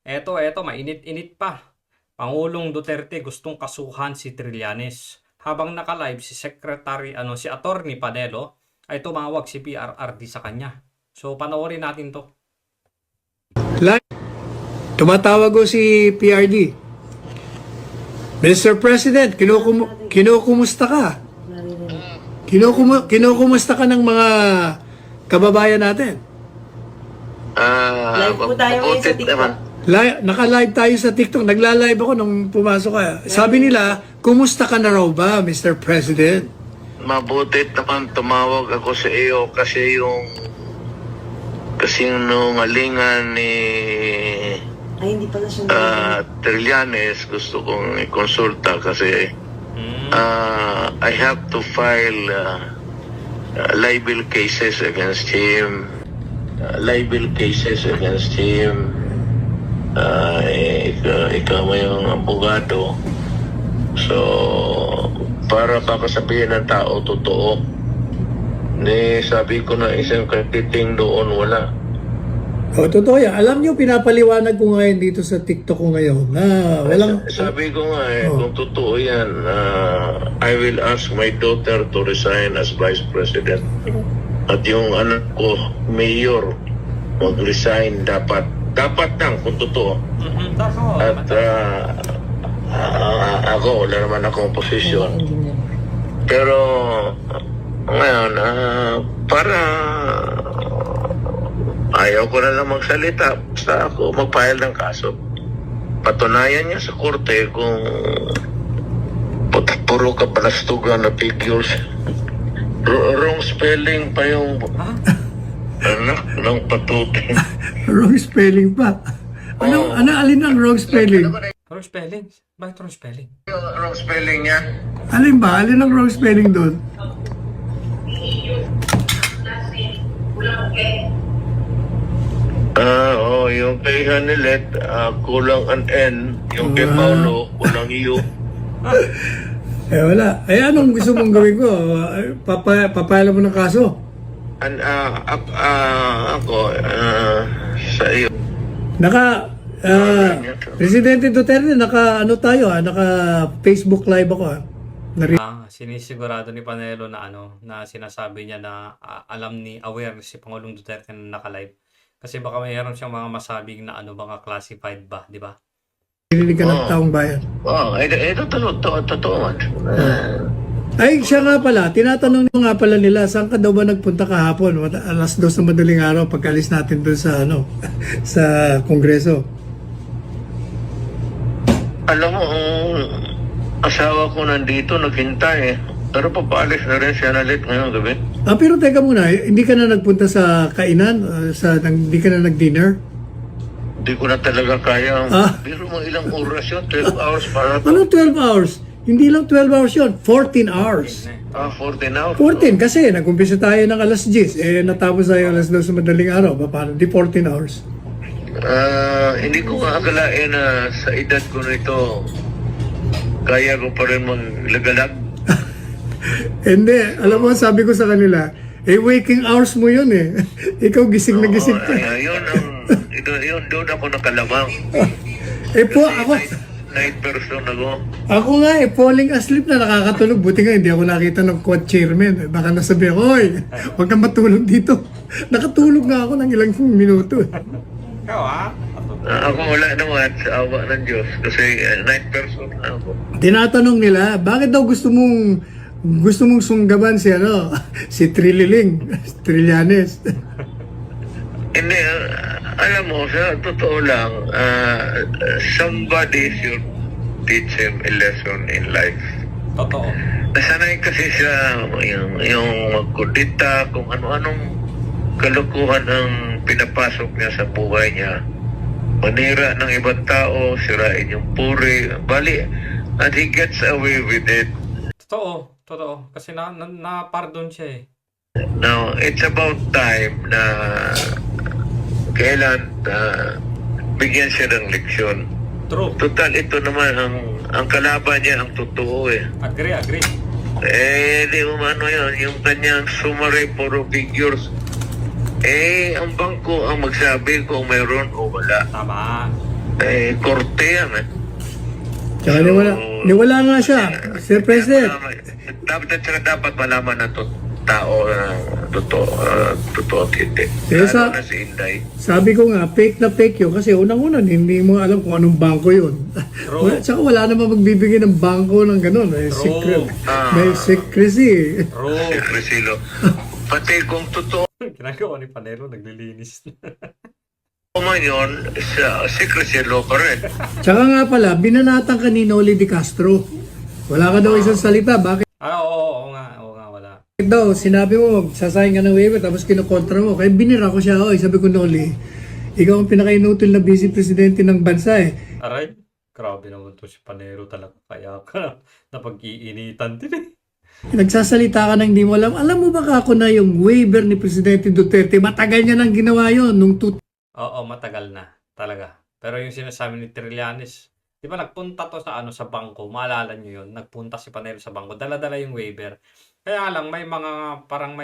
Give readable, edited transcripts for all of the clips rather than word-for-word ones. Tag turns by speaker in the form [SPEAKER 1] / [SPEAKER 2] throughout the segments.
[SPEAKER 1] Eto, mainit-init pa. Pangulong Duterte gustong kasuhan si Trillanes. Habang naka-live si si Attorney Panelo ay tumawag si PRRD sa kanya. So panoorin natin to.
[SPEAKER 2] Tumatawag ko si PRD. Mr. President, kinukumusta ka? Kinukumusta ka ng mga kababayan natin?
[SPEAKER 3] Live po tayo ngayon sa TikTok.
[SPEAKER 2] Naka-live tayo sa TikTok. Nagla-live ako nung pumasok ka. Sabi nila, kumusta ka na raw ba, Mr. President?
[SPEAKER 3] Mabuti naman tumawag ako sa iyo kasi yung nungalingan ni
[SPEAKER 4] Ay, hindi pala siya
[SPEAKER 3] Trillanes gusto kong i-consulta kasi I have to file libel cases against him. Ikaw mo yung abogado. So, para baka sabihin ng tao totoo. Sabi ko na isang katiting doon wala.
[SPEAKER 2] O, totoo yan. Alam niyo, pinapaliwanag ko ngayon dito sa TikTok ko ngayon na walang...
[SPEAKER 3] Sabi ko nga kung totoo yan, I will ask my daughter to resign as Vice President. At yung anak ko, Mayor, mag-resign dapat. Dapat lang kung totoo. At ako, wala naman akong posisyon. Pero ngayon, para ayaw ko na lang magsalita. Basta ako mag-file ng kaso. Patunayan niya sa korte kung puro kapalastugan na figures. Wrong spelling pa yung ng patutin.
[SPEAKER 2] Wrong spelling pa. Alin ang wrong spelling?
[SPEAKER 1] Wrong spelling? Bakit wrong spelling?
[SPEAKER 3] Wrong spelling niya.
[SPEAKER 2] Alin ba? Alin ang wrong spelling doon?
[SPEAKER 3] Yung kay Hanilet, kulang an N. Yung kay Paulo, kulang U.
[SPEAKER 2] Wala. Anong gusto mong gawin ko? Papayala mo ng kaso?
[SPEAKER 3] Ako, sa iyo.
[SPEAKER 2] Presidente Duterte, naka Facebook live ako
[SPEAKER 1] Sinisigurado ni Panelo na na sinasabi niya na aware si Pangulong Duterte na naka-live. Kasi baka mayroon siyang mga masabing na mga classified ba, di ba?
[SPEAKER 2] Nililig ka ng taong bayan.
[SPEAKER 3] Ito totoo.
[SPEAKER 2] Ay, siya nga pala, tinatanong nga pala nila, saan ka daw ba nagpunta kahapon? Alas 2 na madaling araw, pagkalis natin doon sa, sa Kongreso.
[SPEAKER 3] Alam mo, asawa ko nandito, naghintay Pero papaalis na rin siya nalit ngayong gabi.
[SPEAKER 2] Pero teka muna, hindi ka na nagpunta sa kainan? Hindi ka na nag-dinner?
[SPEAKER 3] Hindi ko na talaga kaya. Pero mga ilang oras yun, 12 hours para to.
[SPEAKER 2] Ano 12 hours? Hindi lang 12 hours yun, 14 hours.
[SPEAKER 3] 14 hours.
[SPEAKER 2] 14 kasi nag-umpisa tayo ng alas 10, natapos tayo alas 2 sa madaling araw. Paano? Di 14 hours.
[SPEAKER 3] Hindi ko akalain na sa edad ko nito, kaya ko pa rin maglagalag.
[SPEAKER 2] Hindi, alam mo, sabi ko sa kanila, waking hours mo yun Ikaw gising na gising ka.
[SPEAKER 3] Yun, doon ako nakalamang.
[SPEAKER 2] Ako,
[SPEAKER 3] Night person ako.
[SPEAKER 2] Ako nga falling asleep na nakakatulog. Buti nga hindi ako nakita ng quad chairman. Baka nasabi ako, huwag kang matulog dito. Nakatulog nga ako ng ilang minuto.
[SPEAKER 1] Ikaw
[SPEAKER 3] Ako wala naman sa awa ng Diyos kasi night person na ako.
[SPEAKER 2] Tinatanong nila, bakit daw gusto mong sunggaban si si Trillanes.
[SPEAKER 3] Hindi, alam mo, sa totoo lang, somebody should teach him a lesson in life.
[SPEAKER 1] Totoo.
[SPEAKER 3] Nasanay kasi siya yung magkudita, kung ano-anong kalukuhan ang pinapasok niya sa buhay niya. Manira ng ibang tao, sirain yung puri, bali, and he gets away with it.
[SPEAKER 1] Totoo. Kasi na-pardon siya
[SPEAKER 3] Now, it's about time na kailan bigyan siya ng leksyon.
[SPEAKER 1] True.
[SPEAKER 3] Total, ito naman ang kalaban niya, ang totoo
[SPEAKER 1] Agree.
[SPEAKER 3] Di umano yun, yung kanyang summary puro figures. Ang bangko ang magsabi kung mayroon o wala.
[SPEAKER 1] Tama.
[SPEAKER 3] korte yan eh.
[SPEAKER 2] Tsaka niwala nga siya, Sir President.
[SPEAKER 3] Dapat malaman ng tao na totoo at hindi.
[SPEAKER 2] Kaya sa-
[SPEAKER 3] Lalo na si Inday.
[SPEAKER 2] Sabi ko nga, fake na fake yun kasi unang-una hindi mo alam kung anong bangko yun.
[SPEAKER 1] True.
[SPEAKER 2] Tsaka wala namang magbibigay ng bangko ng gano'n. May,
[SPEAKER 1] True.
[SPEAKER 2] may secrecy.
[SPEAKER 1] Bro,
[SPEAKER 3] Si Crisilo. Pati kung totoo
[SPEAKER 1] ginagawa ni Panelo, naglilinis.
[SPEAKER 3] man yun, si Crisilo pa rin.
[SPEAKER 2] Tsaka nga pala, binanatan ka ni Noli Di Castro. Wala ka daw isang salita. Bakit
[SPEAKER 1] Oo nga, wala.
[SPEAKER 2] daw? Sinabi mo, sasayang ka ng waiver tapos kinukontra mo. Kaya binira ko siya. Oy, sabi ko, Noli, ikaw ang pinaka-inutil na vice presidente ng bansa eh.
[SPEAKER 1] Aray, grabe naman to si Panelo talaga. Kaya ka napag-iinitan din eh.
[SPEAKER 2] Nagsasalita ka na hindi mo alam. Alam mo ba ako na yung waiver ni Presidente Duterte, matagal niya nang ginawa yun nung
[SPEAKER 1] Oo, matagal na talaga. Pero yung sinasabi ni Trillanes, di ba nagpunta to sa bangko, maalala nyo yun, nagpunta si Panelo sa bangko, dala-dala yung waiver. Kaya lang, may mga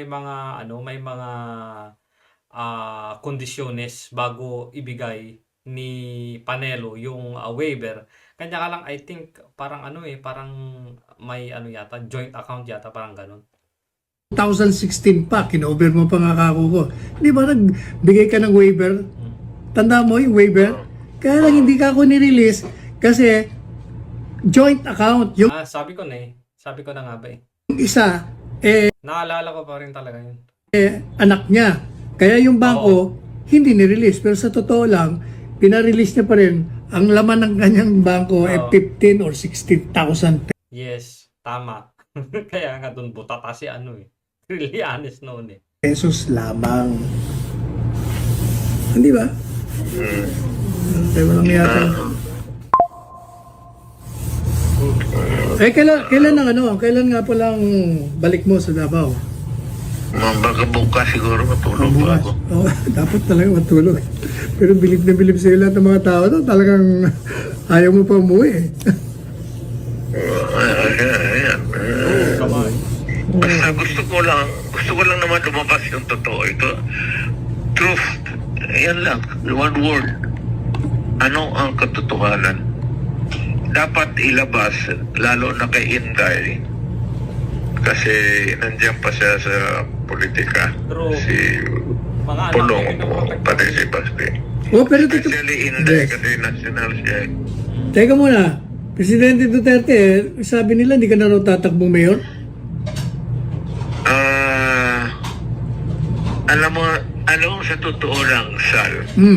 [SPEAKER 1] kondisyones bago ibigay ni Panelo yung waiver. Kanya ka lang, I think, parang may yata, joint account yata, parang ganun.
[SPEAKER 2] 2016 pa, kinover mo pa nga kako ko. Di ba nagbigay ka ng waiver? Tanda mo yung waiver? Kaya lang hindi ka ako nirelease kasi joint account. Yung
[SPEAKER 1] Sabi ko na nga ba eh.
[SPEAKER 2] isa,
[SPEAKER 1] Naalala ko pa rin talaga yun.
[SPEAKER 2] anak niya. Kaya yung bangko, hindi nirelease. Pero sa totoo lang, pinarelease niya pa rin ang laman ng kanyang bangko ay
[SPEAKER 1] Oo.
[SPEAKER 2] 15 or 16,000
[SPEAKER 1] Yes, tama. Kaya nga doon butata si Trillanes noon eh.
[SPEAKER 2] pesos lamang. Hindi ba? Kaya walang yata. Kailan nga palang balik mo sa Davao?
[SPEAKER 3] Baka bukas siguro matulog pa
[SPEAKER 2] Bukas.
[SPEAKER 3] ako.
[SPEAKER 2] Oh, dapat talaga matulog. Pero bilib na bilib sa'yo lahat ng mga tao to. Talagang ayaw mo pa umuwi eh.
[SPEAKER 3] Ayan.
[SPEAKER 1] Kamay.
[SPEAKER 3] Basta gusto ko lang naman lumabas yung totoo. Ito, truth. Yan lang. One word. Ano ang katotohanan? Dapat ilabas, lalo na kay Inday. Kasi nandiyan pa siya sa politika.
[SPEAKER 1] True.
[SPEAKER 3] Si
[SPEAKER 1] Mga anak
[SPEAKER 3] Pulong
[SPEAKER 1] niya,
[SPEAKER 3] mo,
[SPEAKER 1] pinoprotect
[SPEAKER 3] pati
[SPEAKER 1] niya.
[SPEAKER 3] si Basti.
[SPEAKER 2] Oh, pero dito...
[SPEAKER 3] Especially Inday
[SPEAKER 2] Yes.
[SPEAKER 3] kasi national siya.
[SPEAKER 2] Teka muna. Presidente Duterte, sabi nila hindi ka na raw tatakbong mayor?
[SPEAKER 3] Alam mo, sa totoo lang, Sal,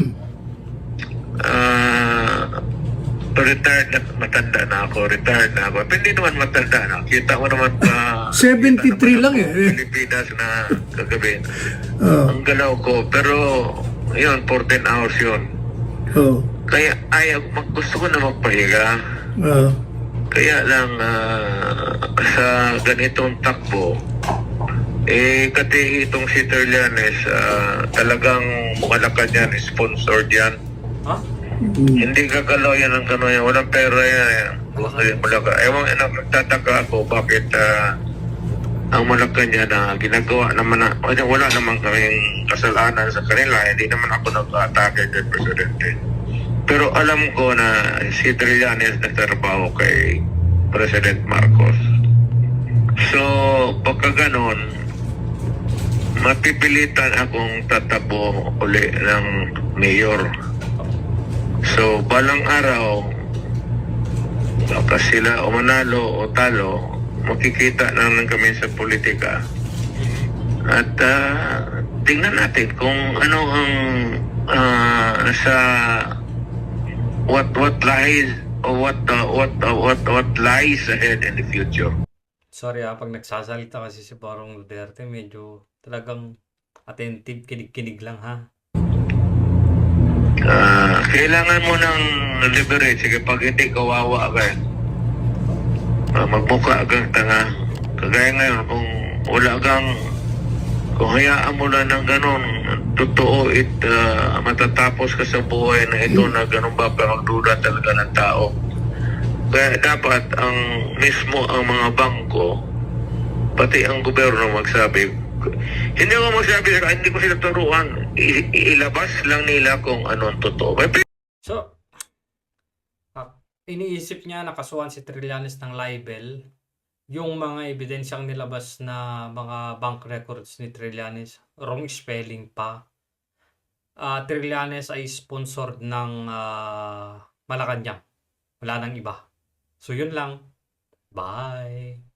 [SPEAKER 3] retired na, matanda na ako. Pero hindi naman matanda na. Kita mo naman
[SPEAKER 2] 73 lang eh.
[SPEAKER 3] Pilipinas na kagabi.
[SPEAKER 2] Oh.
[SPEAKER 3] Ang galaw ko. Pero, yun, 14 hours yun.
[SPEAKER 2] Oh.
[SPEAKER 3] Kaya gusto ko na magpahiga.
[SPEAKER 2] Oh.
[SPEAKER 3] Kaya lang, sa ganitong takbo, kasi itong si Trillanes, talagang mukalakad yan, sponsored yan.
[SPEAKER 1] Ha?
[SPEAKER 3] Hindi gagalaw yan ang gano'n yan. Walang pera yan. Ewan, nagtataka ako bakit ang Malacanang na ginagawa naman na, wala naman kaming kasalanan sa kanila. Hindi naman ako nag-atake kay Presidente. Pero alam ko na si Trillanes nagtrabaho kay President Marcos. So, pagka ganon, mapipilitan akong tatabo uli ng mayor. So, balang araw, baka sila o manalo o talo, makikita naman kami sa politika. At tingnan natin kung ano ang sa what lies or what lies ahead in the future.
[SPEAKER 1] Sorry pag nagsasalita kasi si Barong Duterte, medyo talagang attentive, kinig-kinig lang ha.
[SPEAKER 3] Kailangan mo ng liberate. Sige, pag hindi kawawa ka, magmukha kang tanga. Kagaya ngayon, kung hayaan mo lang ng ganon, totoo matatapos ka sa buhay na ito na ganon ba, pero magduda talaga ng tao. Kaya dapat ang mga bangko, pati ang gobyerno magsabi. Hindi ko magsabi, hindi ko sila turuan. Ilabas lang nila kung anong totoo.
[SPEAKER 1] So, iniisip niya nakasuhan si Trillanes ng libel. Yung mga ebidensyang nilabas na mga bank records ni Trillanes, wrong spelling pa. Trillanes ay sponsored ng Malacanang. Wala nang iba. So yun lang. Bye!